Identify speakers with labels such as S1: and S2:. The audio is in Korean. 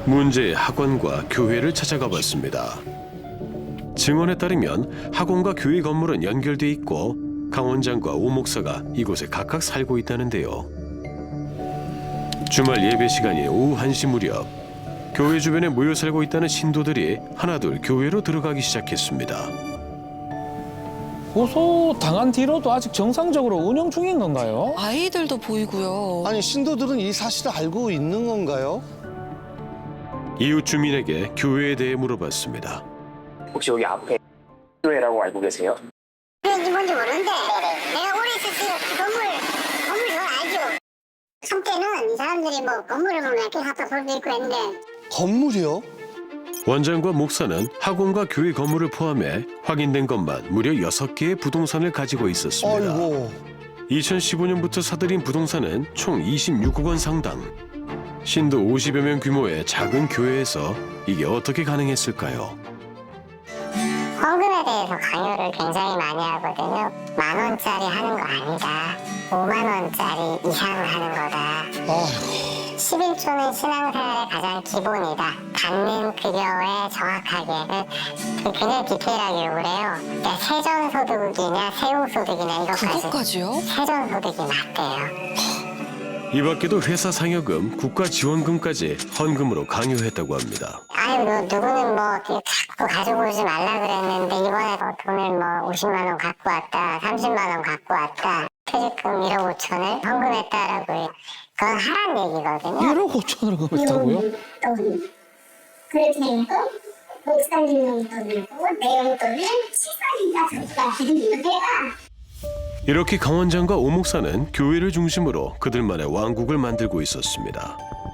S1: 문제의 학원과 교회를 찾아가 봤습니다. 증언에 따르면 학원과 교회 건물은 연결돼 있고 강 원장과 오 목사가 이곳에 각각 살고 있다는데요. 주말 예배 시간인 오후 1시 무렵 교회 주변에 모여 살고 있다는 신도들이 하나둘 교회로 들어가기 시작했습니다.
S2: 고소당한 뒤로도 아직 정상적으로 운영 중인 건가요?
S3: 아이들도 보이고요.
S4: 아니 신도들은 이 사실을 알고 있는 건가요?
S1: 이웃 주민에게 교회에 대해 물어봤습니다.
S5: 혹시 여기 앞에 교회라고 알고 계세요?
S6: 그런지 뭔지 모르는데 내가 오래 있었으니까 건물 잘 알죠. 한때는 이 사람들이 뭐 건물을 보면 이렇게 갖다 볼 수 있고 했는데
S4: 건물이요?
S1: 원장과 목사는 학원과 교회 건물을 포함해 확인된 것만 무려 6개의 부동산을 가지고 있었습니다.
S4: 아이고.
S1: 2015년부터 사들인 부동산은 총 26억 원 상당. 신도 50여 명 규모의 작은 교회에서 이게 어떻게 가능했을까요?
S6: 헌금에 대해서 강요를 굉장히 많이 하거든요. 10,000원짜리 하는 거 아니다. 50,000원짜리 이상 하는 거다.
S4: 아이고.
S6: 11조는 신앙생활의 가장 기본이다. 받는 급여에 정확하게 굉장히 디테일하게 요구를 해요. 그러니까 세전소득이냐 세후소득이냐 이것까지.
S3: 그것까지요?
S6: 세전소득이 맞대요.
S1: 이 밖에도 회사 상여금, 국가 지원금까지 헌금으로 강요했다고 합니다.
S6: 아유, 누구는 뭐 자꾸 가지고 오지 말라 그랬는데 이번에 돈을 뭐 50만 원 갖고 왔다, 30만 원 갖고 왔다. 퇴직금 1억 5천을 헌금했다라고 그건 하란 얘기거든요.
S2: 1억 5천을 금했다고요?
S6: 그렇게 되니까 목사님 용돈을 내 용돈을 식사니까 저희가 드립니다. 내가
S1: 이렇게 강 원장과 오 목사는 교회를 중심으로 그들만의 왕국을 만들고 있었습니다.